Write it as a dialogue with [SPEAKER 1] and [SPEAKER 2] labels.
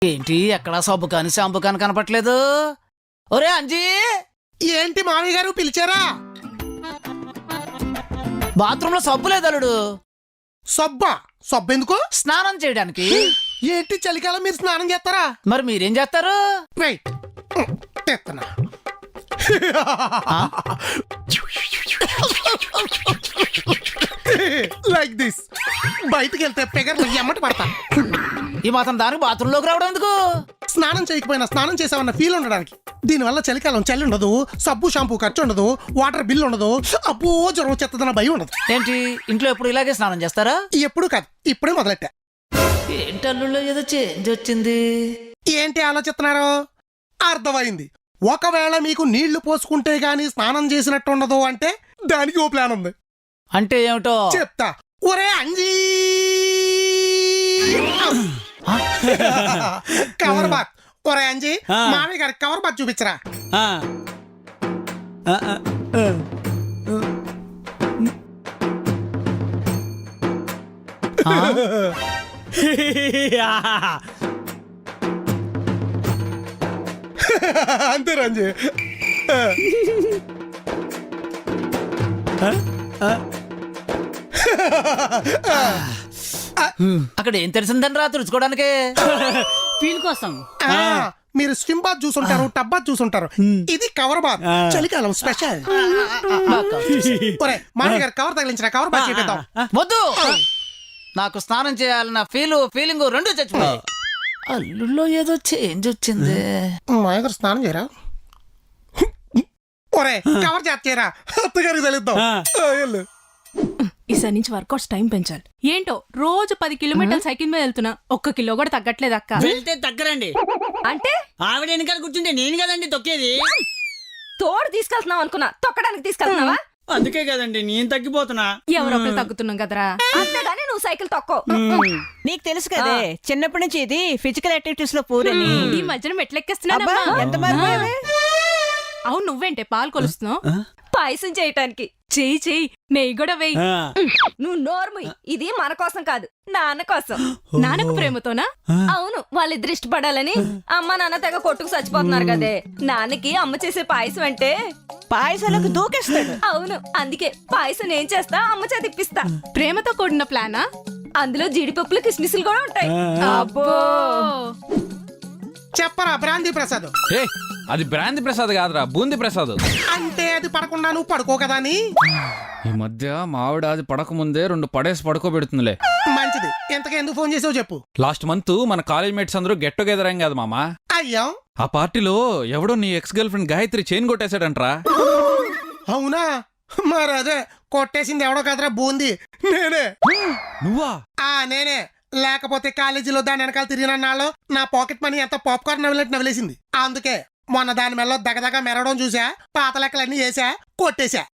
[SPEAKER 1] ఏంటి ఎక్కడా సబ్బు కాని షాంపూ కాని కనపట్లేదు? ఒరే అంజీ,
[SPEAKER 2] ఏంటి మామయ్య గారు పిలిచారా?
[SPEAKER 1] బాత్రూమ్ లో సబ్బు లేదు అల్లుడు.
[SPEAKER 2] సబ్బు ఎందుకు?
[SPEAKER 1] స్నానం చేయడానికి.
[SPEAKER 2] ఏంటి చలికాలం మీరు స్నానం చేస్తారా?
[SPEAKER 1] మరి మీరేం చేస్తారు?
[SPEAKER 2] వెయిట్ తెస్తున్నా. Like this. బయటికి వెళ్తే పెగర్లు ఎమ్మటి పడతా.
[SPEAKER 1] ఈ మాత్రం దానికి బాత్రూమ్ లోకి రావడం ఎందుకు?
[SPEAKER 2] స్నానం చేయకపోయినా స్నానం చేసామన్న ఫీల్ ఉండడానికి. దీనివల్ల చలికాలం చలి ఉండదు, సబ్బు షాంపూ ఖర్చు ఉండదు, వాటర్ బిల్ ఉండదు, అబ్బో జ్వరం వచ్చేస్తుందన్న భయం ఉండదు.
[SPEAKER 1] ఏంటి ఇంట్లో ఎప్పుడు ఇలాగే స్నానం చేస్తారా?
[SPEAKER 2] ఎప్పుడు కాదు, ఇప్పుడే మొదలెట్టా.
[SPEAKER 1] ఏంటి అల్లుళ్ళో ఏదో చేంజ్ వచ్చింది.
[SPEAKER 2] ఏంటి ఆలోచిస్తున్నారు? అర్థమైంది. ఒకవేళ మీకు నీళ్లు పోసుకుంటే గానీ స్నానం చేసినట్టు ఉండదు అంటే దానికి ఓ ప్లాన్ ఉంది.
[SPEAKER 1] అంటే ఏమిటో
[SPEAKER 2] చెప్తా. ఒరే అంజీ, కవర్ బాత్. ఒరే అంజీ, మామయ్య గారి కవర్ బాత్ చూపించరా. అంతే రంజీ.
[SPEAKER 1] అక్కడ ఏం తెలిసిందని రా తుడుచుకోవడానికి?
[SPEAKER 3] ఫీల్ కోసం
[SPEAKER 2] మీరు స్విమ్ బాత్ చూసుంటారు, టబ్ బాత్ చూసుంటారు. ఇది కవర్ బాత్, చలికాలం స్పెషల్. ఒరే మామయ్య గారు కవర్ తగిలించిన కవర్ బాత్ చూపిద్దాం.
[SPEAKER 1] వద్దు, నాకు స్నానం చేయాలన్న ఫీలింగ్ రెండు చచ్చిపోయాయి. అల్లుల్లో ఏదో చేంజ్ వచ్చింది.
[SPEAKER 2] మామయ్య గారు స్నానం చేయరా? ఒరే కవర్ చేత చేయరా, అత్తగారికి తెలుద్దాం.
[SPEAKER 3] ఈసారి నుంచి వర్కౌట్స్ టైం పెంచాలి. ఏంటో రోజు 10 కిలోమీటర్ల సైకిల్ మీద వెళ్తున్నా, 1 కిలో కూడా తగ్గట్లేదు అక్క.
[SPEAKER 4] వెళ్తే తగ్గరండి.
[SPEAKER 3] అంటే
[SPEAKER 4] ఆవిడ వెనకాల కూర్చుంటే నేను కదండి తొక్కేది.
[SPEAKER 3] తోడు తీసుకెళ్తున్నావు అనుకున్నా, తొక్కడానికి తీసుకెళ్తున్నావా?
[SPEAKER 4] అందుకే కదండి నేను తగ్గిపోతున్నా.
[SPEAKER 3] ఎవరొకరు తగ్గుతున్నాం కదరా. అంతేగాని నువ్వు సైకిల్ తొక్కో.
[SPEAKER 5] నీకు తెలుసు కదే చిన్నప్పటి నుంచి ఇది ఫిజికల్ యాక్టివిటీస్ లో పూరని.
[SPEAKER 3] ఈ మధ్యన మెట్లెక్కేస్తున్నా.
[SPEAKER 5] ఎంత మారిపోయావే.
[SPEAKER 3] అవును, నువ్వేంటే పాలు కొలుస్తున్నావు? పాయసం చేయటానికి. చెయ్యి నెయ్యి కూడా వెయ్యి.
[SPEAKER 6] నువ్వు నోర్ము. ఇది మన కోసం కాదు, నాన్న కోసం.
[SPEAKER 3] నాన్నకు ప్రేమతోనా?
[SPEAKER 6] అవును, వాళ్ళిద్దరు ఇష్టపడాలని అమ్మ నాన్న తెగ కొట్టుకు చచ్చిపోతున్నారు కదే. నాన్నకి అమ్మ చేసే పాయసం అంటే
[SPEAKER 5] పాయసాలకు దూకేస్తాడు.
[SPEAKER 6] అవును, అందుకే పాయసం నేను చేస్తా, అమ్మ చేతి ఇప్పిస్తా.
[SPEAKER 3] ప్రేమతో కూడిన ప్లానా?
[SPEAKER 6] అందులో జీడిపప్పులు కిస్మిస్లు కూడా ఉంటాయి.
[SPEAKER 3] అబ్బో,
[SPEAKER 2] చెప్పరా బ్రాంతి ప్రసాద్.
[SPEAKER 7] అది బ్రాంతి ప్రసాద్ కాదురా, బూంది ప్రసాద్.
[SPEAKER 2] అంటే అది పడకుండా నువ్వు పడుకో కదా అని.
[SPEAKER 7] ఈ మధ్య మా ఆవిడ అది పడకముందే 2 పడేసి పడుకోబెడుతుందిలే.
[SPEAKER 2] మంచిది. ఎంతగా ఎందుకు ఫోన్ చేసావు చెప్పు.
[SPEAKER 7] లాస్ట్ మంత్ మన కాలేజ్ మేట్స్ అందరూ గెట్ టుగెదర్ అయ్యాం కదా మామా.
[SPEAKER 2] అయ్యా,
[SPEAKER 7] ఆ పార్టీలో ఎవడో నీ ex girlfriend Gayatri chain కొట్టేశాడంట్రా.
[SPEAKER 2] అవునా? మరి అదే కొట్టేసింది ఎవడో కదరా, బూంది నేనే.
[SPEAKER 7] నువ్వా?
[SPEAKER 2] నేనే. లేకపోతే కాలేజీలో దాని వెనకాల తిరిగిన నాళ్ళు నా పాకెట్ మనీ ఎంత పాప్కార్న్ నవ్వినట్టు నవ్విలేసింది. అందుకే మొన్న దాని మెల్లో దగదగ మెరవడం చూసా, పాత లెక్కలన్నీ వేసా, కొట్టేశా.